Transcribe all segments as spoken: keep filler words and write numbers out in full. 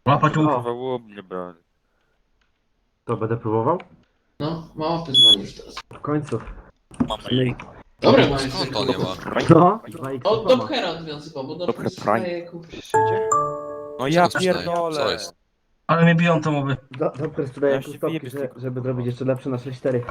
Łapać łuk. Kurwa, mnie brali. To będę próbował? No, małpy dzwonisz teraz. W końcu. Mamy. Dobra, mamy Skąd to nie ma? No, dwa x O, do Pchera odwiązał, bo do Dobra, sprzedaje kup. No ja Co to jest? pierdolę. Co jest? Ale mnie biją te moby. Dobrze, sprzedaję Ja się kustopki, wyjebię z że, tego. żeby zrobić jeszcze lepsze na sześć cztery.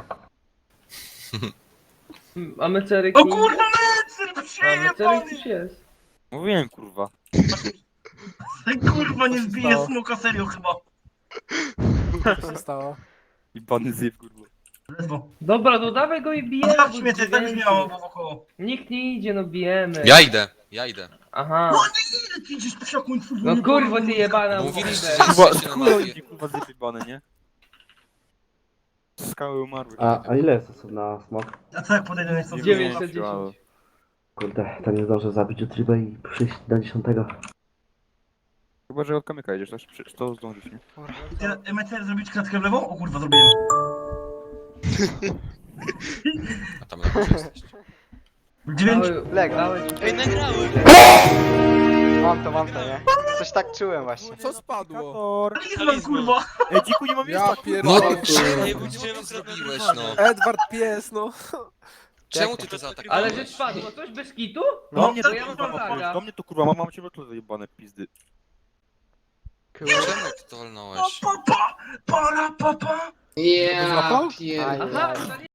Mamy ceryki. O kurwa, mecer, Mamy przyjebany! ceryk już jest. Mówiłem, kurwa. Kurwa, nie zbije smoka, serio chyba. Co się stało? I bany zjeb, kurwa. Ledwo. Dobra, no dawaj go i bijemy. bo Zostawcie mnie, to tak już dziewięciu. miało wokoło. Nikt nie idzie, no bijemy. Ja idę, ja idę. Aha. No nie, ile ty idziesz po siaku i twój No kurwa, ty jebana. Mówiliście, mordę. że Kurwa, jesteście na kurwa, mapie. idzie, kurwa, zjeb bany, nie? Skały umarły. A, a ile jest osób na smok? A co jak podejdę na co? dziewięćset dziesięć. Kurde, to nie zdążę zabić Utriba i przyjść do dziesiątego. Chyba, że od kamyka jedziesz, to, przecież to zdążysz, nie? I ty, mecer, zrobić kratkę w lewo? O kurwa, zrobiłem. A tam na górze jesteście. Dziewięć. Dawaj, Leg. dawaj. Ej, nagrałem! Mam to, mam to, nie? Coś tak czułem właśnie. Co spadło? Kator! Talizman, kurwa. Ej, dziku, nie mam Ja miejsca! No pierdolę. Ej, co budziłem ty zrobiłeś, akurat no? Edward pies, no. Czemu ty to Ale zaatakowałeś? że spadło, coś bez kitu? Do No, mnie to to, ja mam kurwa, laga. do mnie to, kurwa, mam, mam cię w zajebane pizdy. Czemu ty to walnąłeś? Pa, pa, pa, para, pa, pa. Ja złapał? pierdolę. Aha,